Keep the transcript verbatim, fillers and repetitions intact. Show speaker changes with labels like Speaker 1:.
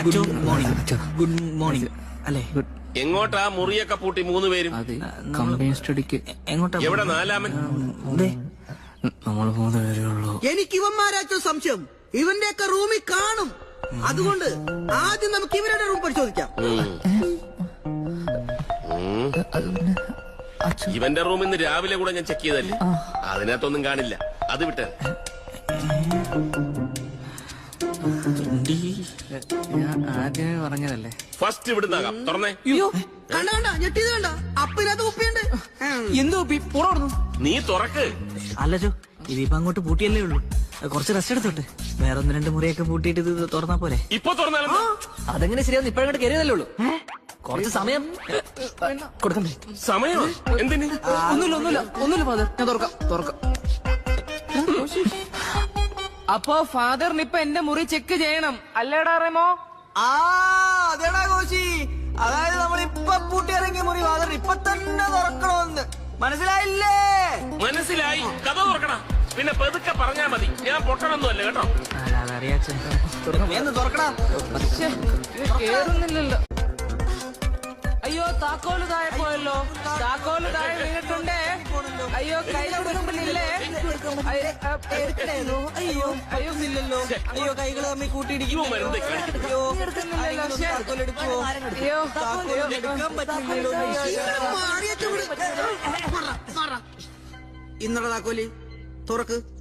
Speaker 1: Good morning. Good morning അല്ലേ?
Speaker 2: എങ്ങോട്ടാ മുറിയൊക്കെ പൂട്ടി മൂന്ന് പേരും?
Speaker 1: കമ്പനി സ്റ്റഡിക്ക്. എങ്ങോട്ടാ?
Speaker 2: എവിടെ നാലാമൻ?
Speaker 1: നമ്മൾ മൂന്ന് പേരേ ഉള്ളൂ.
Speaker 3: എനിക്ക് ഇവന്മാരാച്ച സംശയം ഇവന്റെയൊക്കെ റൂമിൽ കാണും. അതുകൊണ്ട് ആദ്യം നമുക്ക് ഇവരുടെ റൂം പരിശോധിക്കാം.
Speaker 2: ഇവന്റെ റൂം ഇന്ന് രാവിലെ കൂടെ ഞാൻ ചെക്ക് ചെയ്തല്ലേ, അതിനകത്തൊന്നും കാണില്ല. അത് വിട്ടേ.
Speaker 1: ഞാൻ ആദ്യമേ പറഞ്ഞതല്ലേ.
Speaker 2: ഫസ്റ്റ് ഇവിടുന്നാകാം. തുറന്നേ.
Speaker 3: കണ്ട കണ്ട ഞെട്ടിയത് കണ്ട. അപ്പിനകത്ത് കുപ്പിയുണ്ട്.
Speaker 1: എന്തോ പുറന്നു.
Speaker 2: നീ തുറക്ക്.
Speaker 1: അല്ലല്ലോ, ഇതിപ്പോ അങ്ങോട്ട് പൂട്ടിയല്ലേ ഉള്ളൂ. കുറച്ച് റെസ്റ്റ് എടുത്തോട്ടെ. വേറെ ഒന്ന് രണ്ട് മുറിയൊക്കെ പൂട്ടിയിട്ട് ഇത് തുറന്നാ പോരെ?
Speaker 2: ഇപ്പൊ തുറന്നാലും
Speaker 1: അതെങ്ങനെ ശരിയാവും? ഇപ്പഴങ്ങോട്ട് കയറിയതല്ലേ ഉള്ളൂ. കുറച്ച് സമയം കൊടുക്കണ്ടേ?
Speaker 2: സമയം എന്തിന്?
Speaker 1: ഒന്നുമില്ല ഒന്നുമില്ല ഒന്നുമില്ല ഫാദർ, ഞാൻ തുറക്കാം തുറക്കാം.
Speaker 4: അപ്പോ ഫാദറിന് ഇപ്പൊ എന്റെ മുറി ചെക്ക് ചെയ്യണം അല്ലേടാ റെമോ?
Speaker 3: ആ അതേടാ കോശി. അതായത് നമ്മളിപ്പൊ പൂട്ടിയിറങ്ങിയ മുറി ഫാദർ ഇപ്പൊ തന്നെ തുറക്കണമെന്ന് മനസ്സിലായില്ലേ?
Speaker 2: മനസ്സിലായി. കഥ തുറക്കണ. പിന്നെ പെതുക്കെ പറഞ്ഞാ മതി. ഞാൻ പൊട്ടണൊന്നും അല്ല കേട്ടോ.
Speaker 3: എന്ന് തുറക്കടാ.
Speaker 4: കേറുന്നില്ലല്ലോ. അയ്യോ താക്കോല് താഴെ പോയല്ലോ. താക്കോല് താഴെ വീണിട്ടുണ്ടേ. അയ്യോ കൈ കൊടുക്കുമ്പോഴില്ലേ?
Speaker 3: അയ്യോ അയ്യോ ഇല്ലല്ലോ. അയ്യോ കൈകൾ തമ്മിൽ കൂട്ടിയിടിക്കും.
Speaker 4: അയ്യോ
Speaker 3: ഇന്നലെ താക്കോലി തുറക്ക്.